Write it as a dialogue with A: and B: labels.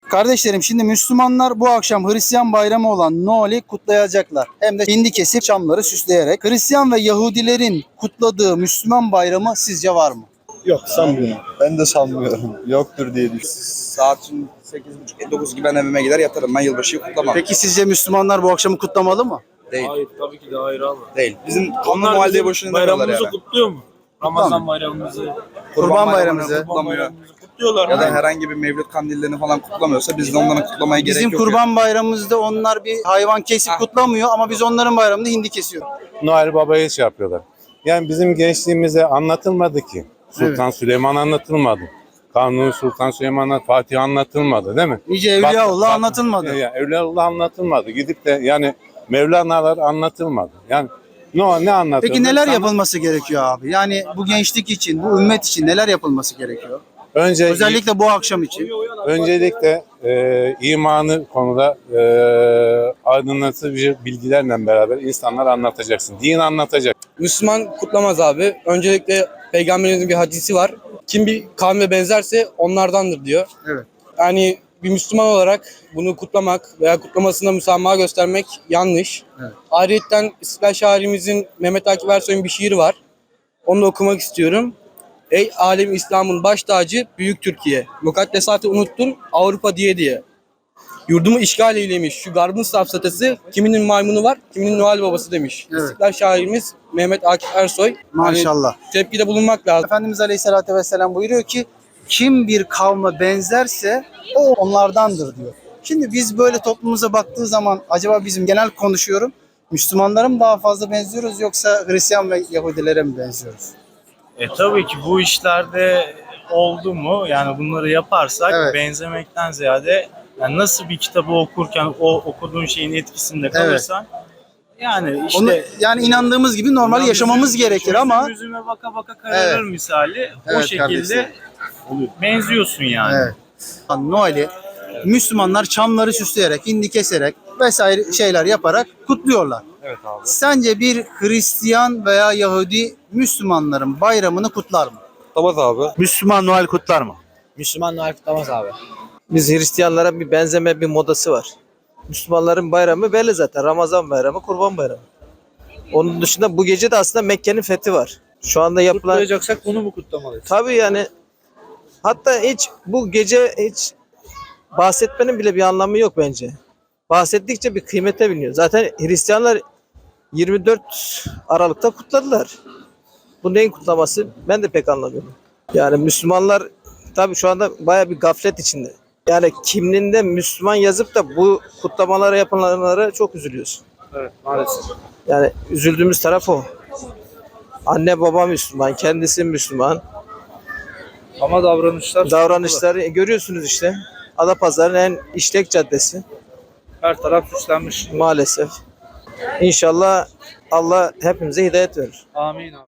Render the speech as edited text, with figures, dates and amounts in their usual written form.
A: Kardeşlerim, şimdi Müslümanlar bu akşam Hristiyan bayramı olan Noel'i kutlayacaklar. Hem de hindi kesip çamları süsleyerek. Hristiyan ve Yahudilerin kutladığı Müslüman bayramı sizce var mı?
B: Yok, sanmıyorum.
C: Ben de sanmıyorum. Yoktur diye düşünüyorum.
D: Saat şimdi 8.30-9 gibi ben evime gider yatarım. Ben yılbaşıyı kutlamam.
A: Peki sizce Müslümanlar bu akşamı kutlamalı mı?
D: Değil.
B: Hayır, tabii ki de hayır abi.
D: Değil. Bizim kanlı
B: Onlar
D: muhalleye
B: bizim
D: boşuna demiyorlar
B: bayramımızı
D: yani.
B: kutluyor mu? Ramazan bayramımızı,
A: Kurban bayramımızı.
D: kutlamıyor.
B: kutluyorlar.
D: Ya da
B: mı?
D: herhangi bir mevlüt kandillerini falan kutlamıyorsa biz de onların kutlamaya gerek
A: Bizim
D: yok.
A: kurban bayramımızda onlar bir hayvan kesip kutlamıyor ama biz onların bayramında hindi kesiyoruz.
E: Noel Baba'yı şey yapıyorlar. Yani bizim gençliğimize anlatılmadı ki. Sultan Süleyman anlatılmadı. Kanuni Sultan Süleyman, Fatih anlatılmadı değil mi?
A: Nice Evliyaullah anlatılmadı.
E: Evliyaullah anlatılmadı. Gidip de yani Mevlana'lar anlatılmadı. Yani ne anlatıldı?
A: Peki neler yapılması gerekiyor abi? Yani bu gençlik için, bu ümmet için neler yapılması gerekiyor? Özellikle bu akşam için.
E: Öncelikle imanı konuda aydınlatıcı bilgilerle beraber insanlara anlatacaksın. Din anlatacak.
F: Müslüman kutlamaz abi. Öncelikle Peygamberimizin bir hadisi var. Kim bir kavme benzerse onlardandır diyor.
A: Evet.
F: Yani bir Müslüman olarak bunu kutlamak veya kutlamasına müsamaha göstermek yanlış.
A: Evet.
F: Ayrıyeten İstiklal şairimizin Mehmet Akif Ersoy'un bir şiiri var. Onu da okumak istiyorum. Ey alem İslam'ın baş tacı büyük Türkiye. Mukaddesatı unuttun Avrupa diye diye. Yurdumu işgal eylemiş şu garbın safsatası, kiminin maymunu var, kiminin Noel babası demiş.
A: Evet.
F: İstiklal şairimiz Mehmet Akif Ersoy.
A: Maşallah.
F: Yani tepkide bulunmak lazım.
A: Efendimiz Aleyhisselatü Vesselam buyuruyor ki kim bir kavme benzerse o onlardandır diyor. Şimdi biz böyle toplumumuza baktığı zaman acaba bizim genel konuşuyorum Müslümanlara mı daha fazla benziyoruz yoksa Hristiyan ve Yahudilere mi benziyoruz?
G: Tabii ki bu işlerde oldu mu yani bunları yaparsak
A: Evet.
G: benzemekten ziyade yani nasıl bir kitabı okurken o okuduğun şeyin etkisinde kalırsan yani işte
A: Onu, yani inandığımız gibi normal yaşamamız gerekir ama
G: yüzüme baka baka kararır
A: Evet.
G: misali o
A: Evet
G: şekilde
A: kardeşim.
G: benziyorsun yani.
A: evet. Noel'i Müslümanlar çamları süsleyerek, hindi keserek vesaire şeyler yaparak kutluyorlar.
D: Evet abi.
A: Sence bir Hristiyan veya Yahudi Müslümanların bayramını kutlar mı?
D: Kutlamaz abi.
H: Müslüman Noel kutlar mı?
I: Müslüman Noel kutlamaz abi. Biz Hristiyanlara bir benzeme bir modası var. Müslümanların bayramı belli zaten. Ramazan bayramı, Kurban bayramı. Onun dışında bu gece de aslında Mekke'nin fethi var. Şu anda yapılan...
B: Kutlayacaksak bunu mu kutlamalıyız?
I: Tabii yani hatta hiç bu gece hiç bahsetmenin bile bir anlamı yok bence. Bahsettikçe bir kıymete biniyor. Zaten Hristiyanlar 24 Aralık'ta kutladılar. Bu neyin kutlaması ben de pek anlamıyorum. Yani Müslümanlar tabii şu anda baya bir gaflet içinde. Yani kimliğinde Müslüman yazıp da bu kutlamalara yapılanlara çok üzülüyorsun.
B: Evet, maalesef.
I: Yani üzüldüğümüz taraf o. Anne baba Müslüman, kendisi Müslüman.
B: Ama davranışlar...
I: Davranışları görüyorsunuz işte. Adapazarı'nın en işlek caddesi
B: Her taraf süslenmiş.
I: maalesef. İnşallah Allah hepimize hidayet verir.
B: Amin abi.